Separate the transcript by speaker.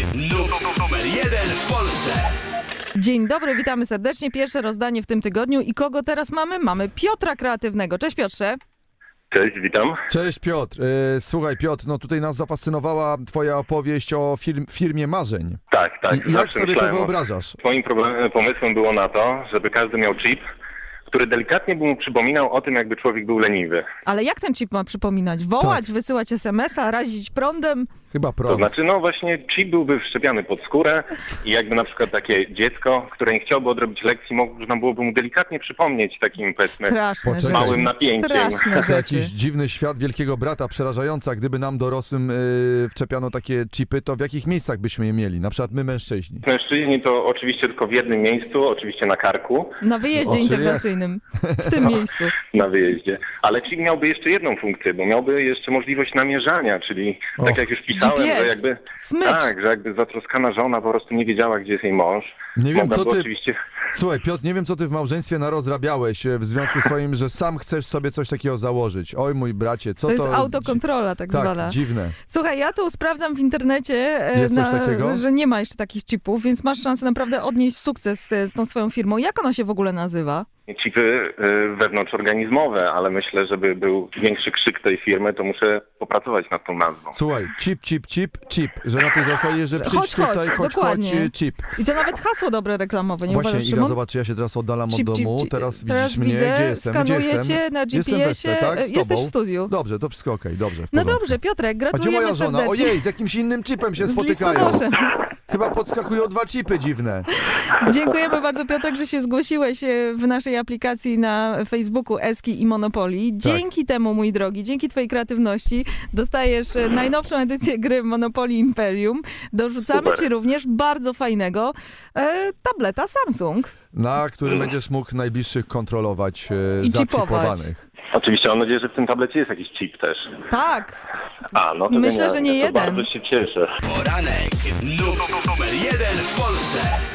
Speaker 1: Numer 1 w Polsce.
Speaker 2: Dzień dobry, witamy serdecznie. Pierwsze rozdanie w tym tygodniu. I kogo teraz mamy? Mamy Piotra Kreatywnego. Cześć Piotrze.
Speaker 3: Cześć, witam.
Speaker 4: Cześć Piotr. Słuchaj Piotr, no tutaj nas zafascynowała twoja opowieść o firmie marzeń.
Speaker 3: Tak.
Speaker 4: I jak sobie to wyobrażasz?
Speaker 3: Moim pomysłem było na to, żeby każdy miał chip, który delikatnie by mu przypominał o tym, jakby człowiek był leniwy.
Speaker 2: Ale jak ten chip ma przypominać? Wołać, wysyłać SMS-a, razić prądem?
Speaker 4: Chyba
Speaker 3: To
Speaker 4: prąd.
Speaker 3: znaczy, no właśnie chip byłby wszczepiany pod skórę i jakby na przykład takie dziecko, które nie chciałoby odrobić lekcji, można byłoby mu delikatnie przypomnieć takim, powiedzmy,
Speaker 2: Straszne
Speaker 4: Poczekaj.
Speaker 2: rzeczy.
Speaker 3: małym napięciem.
Speaker 2: Straszne
Speaker 4: To
Speaker 2: rzeczy.
Speaker 4: jakiś dziwny świat wielkiego brata, przerażająca. Gdyby nam dorosłym wczepiano takie chipy, to w jakich miejscach byśmy je mieli? Na przykład my mężczyźni.
Speaker 3: Mężczyźni to oczywiście tylko w jednym miejscu, oczywiście na karku,
Speaker 2: Na wyjeździe
Speaker 4: Oczy
Speaker 2: integracyjnym. W tym miejscu.
Speaker 3: na wyjeździe. Ale chip miałby jeszcze jedną funkcję, bo miałby jeszcze możliwość namierzania, czyli tak jak już pisałem,
Speaker 2: GPS.
Speaker 3: że jakby
Speaker 2: Smycz.
Speaker 3: tak, że jakby zatroskana żona po prostu nie wiedziała, gdzie jest jej mąż.
Speaker 4: Nie wiem,
Speaker 3: Mogłaby
Speaker 4: co ty...
Speaker 3: oczywiście...
Speaker 4: Słuchaj, Piotr, nie wiem, co ty w małżeństwie narozrabiałeś w związku z twoim, że sam chcesz sobie coś takiego założyć. Oj, mój bracie, co
Speaker 2: To
Speaker 4: to...
Speaker 2: jest autokontrola tak zwana.
Speaker 4: Tak, dziwne.
Speaker 2: Słuchaj, ja tu sprawdzam w internecie,
Speaker 4: Jest coś takiego?
Speaker 2: że nie ma jeszcze takich chipów, więc masz szansę naprawdę odnieść sukces z tą swoją firmą. Jak ona się w ogóle nazywa?
Speaker 3: Chipy wewnątrzorganizmowe, ale myślę, żeby był większy krzyk tej firmy, to muszę popracować nad tą nazwą.
Speaker 4: Słuchaj, chip, że na tej zasadzie, że przyjdź tutaj, chodź,
Speaker 2: dokładnie.
Speaker 4: chip.
Speaker 2: I to nawet hasło dobre reklamowe, nie
Speaker 4: Właśnie,
Speaker 2: uważasz,
Speaker 4: Iga,
Speaker 2: Szymon?
Speaker 4: zobacz, ja się teraz oddalam od
Speaker 2: Chip, chip,
Speaker 4: domu,
Speaker 2: chip.
Speaker 4: teraz
Speaker 2: Teraz
Speaker 4: widzisz mnie,
Speaker 2: widzę,
Speaker 4: gdzie jestem?
Speaker 2: skanuję
Speaker 4: Gdzie
Speaker 2: cię na
Speaker 4: Jestem we wsce,
Speaker 2: GPS-ie,
Speaker 4: tak? Z
Speaker 2: jesteś
Speaker 4: tobą?
Speaker 2: w studiu.
Speaker 4: Dobrze, to wszystko okej, dobrze. w
Speaker 2: No
Speaker 4: porządku.
Speaker 2: dobrze, Piotrek,
Speaker 4: A gdzie
Speaker 2: gratulujemy
Speaker 4: moja żona?
Speaker 2: serdecznie.
Speaker 4: Ojej, z jakimś innym chipem się
Speaker 2: Z
Speaker 4: spotykają.
Speaker 2: listonoszem.
Speaker 4: Chyba podskakują dwa chipy dziwne.
Speaker 2: Dziękujemy bardzo, Piotrek, że się zgłosiłeś w naszej aplikacji na Facebooku Eski i Monopoly. Dzięki temu, mój drogi, dzięki twojej kreatywności dostajesz najnowszą edycję gry Monopoly Imperium. Dorzucamy
Speaker 3: Super.
Speaker 2: ci również bardzo fajnego tableta Samsung.
Speaker 4: Na którym będziesz mógł najbliższych kontrolować
Speaker 2: I
Speaker 4: zaczipowanych.
Speaker 3: Oczywiście mam nadzieję, że w tym tablecie jest jakiś chip też.
Speaker 2: Tak,
Speaker 3: A, no to
Speaker 2: Myślę, że nie
Speaker 3: to
Speaker 2: jeden.
Speaker 3: Bardzo się cieszę.
Speaker 1: Poranek. Numer 1 w Polsce.